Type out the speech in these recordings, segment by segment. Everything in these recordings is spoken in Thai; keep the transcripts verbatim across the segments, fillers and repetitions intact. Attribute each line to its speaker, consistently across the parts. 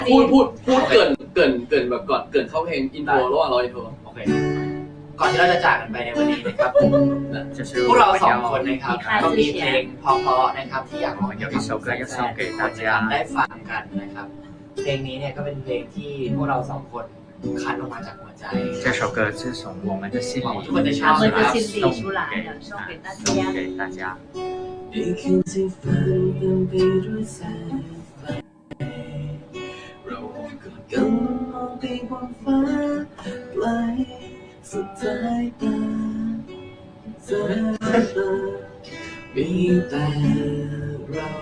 Speaker 1: พูดพูดพูดเกินเกินเกินแบบก่อนเกินเข้าเพลงอินโทรระหว่างรออินโทร
Speaker 2: โอเคก่อนที่เราจะจากกันไปในวันนี้นะครับพวกเราสองคนนะครับก็มีเพลงเพราะๆนะครับที่อยากให้แฟนๆได้ฟังกันนะครับเพลงนี้เนี่ยก็เป็นเพลงที่พวกเราสองคนคัดออกมาจากหัวใจ
Speaker 3: 这首歌是从我们的心里
Speaker 2: ทุกคนจะชอบ
Speaker 4: 我们的
Speaker 2: นะครับ
Speaker 4: 心里出来的，送给大
Speaker 3: 送
Speaker 4: 家。
Speaker 3: 给大家。
Speaker 5: ในคืนที่ฝันเต็มไปด้วยแสงไฟเรากอดกันมองไปบนฟ้าไกลสุดสายตาสายตามีแต่เรา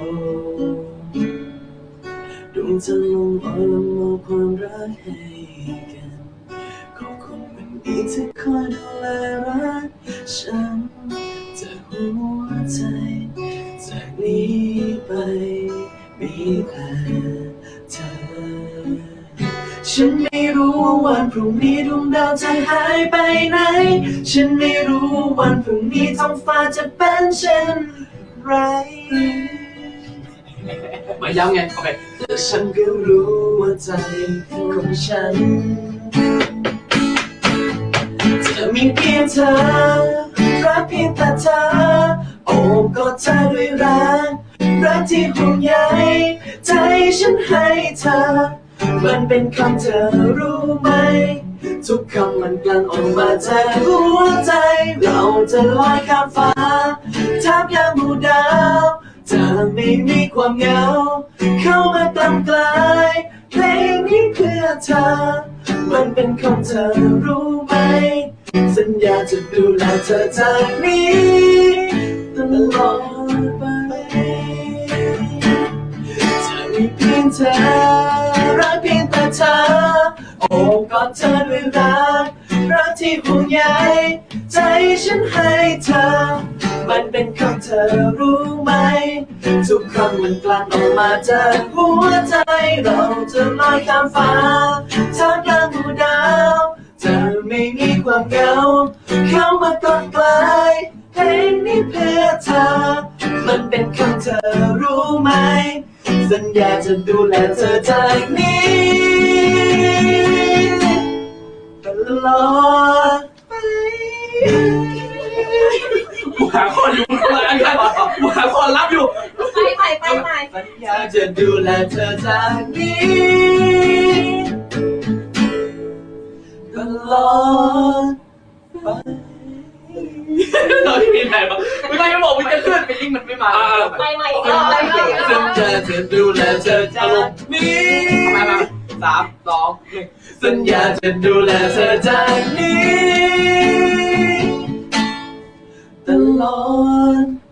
Speaker 5: ดวงจันทร์ลงอ่อนละมอบความรักให้กันขอบคุณวันนี้ที่คอยดูแลรักฉันจากหัวใจจากนี้ไปมีแต่เธอฉันไม่รู้ว่าวันพรุ่งนี้ดวงดาวจะหายไปไหนฉันไม่รู้วันพรุ่งนี้ท้องฟ้าจะเป็นเช่นไร
Speaker 1: มาย้ำไงโอเค
Speaker 5: แต่ฉันก็รู้ว่าใจของฉันจะมีเพียงเธอรักเพียงแต่เธอโอบกอดเธอด้วยรักรักที่ห่วงใยใจฉันให้เธอมันเป็นคำเธอรู้ไหมทุกคำมันกลั่นออกมาจากหัวใจเราจะลอยข้ามฟ้าท่ามกลางหมู่ดาวจะไม่มีความเหงาเข้ามากลั่นกลายเพลงนี้เพื่อเธอมันเป็นคำเธอรู้ไหมสัญญาจะดูแลเธอจากนี้ตลอดไปจะมีเพียงเธอรักเพียงแต่เธอโอบกอดเธอด้วยรักรักที่ห่วงใยใจฉันให้เธอมันเป็นคำเธอรู้ไหมทุกคำมันกลั่นออกมาจากหัวใจเราจะลอยข้ามฟ้าท่ามกลางหมู่ดาวจะไม่มีความเหงาเข้ามากอดกลายเพลงนี้เพื่อเธอมันเป็นคำเธอรู้ไหมสัญญาจะดูแลเธอจากนี้ตลอดไป
Speaker 1: กูหาคอนอยู่ข้างหลังกันกูหาคอนรับอยู่
Speaker 4: ไปไปไปไป
Speaker 5: สัญญาจะดูแลเธอจากนี้ตลอดไป
Speaker 1: เราที่มีไหนบ้างไม่ได้บอกมึงจะขึ้นไปลิงมันไม่มา
Speaker 4: ไปใหม่อีกรอบไปใหม่อีกร
Speaker 5: สั
Speaker 4: อ
Speaker 5: ญ
Speaker 4: บ
Speaker 5: ญาจะดูแลเธอจากนี้
Speaker 1: มามาสามสองหนึ่ง
Speaker 5: สัญญาจะดูแลเธอจากนี้ตลอดไป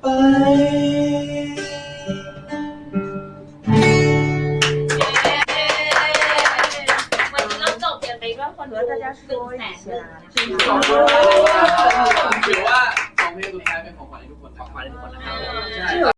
Speaker 4: วันนี้เราจบกันไปด้วยคนดูหนึ่งแสนหนึ่ง
Speaker 1: ขอบคุณถือว่าสองเพลงสุดท้ายเป็นของขวัญให้ทุกคนนะครับ
Speaker 2: ขอบคุณทุกคนนะครับ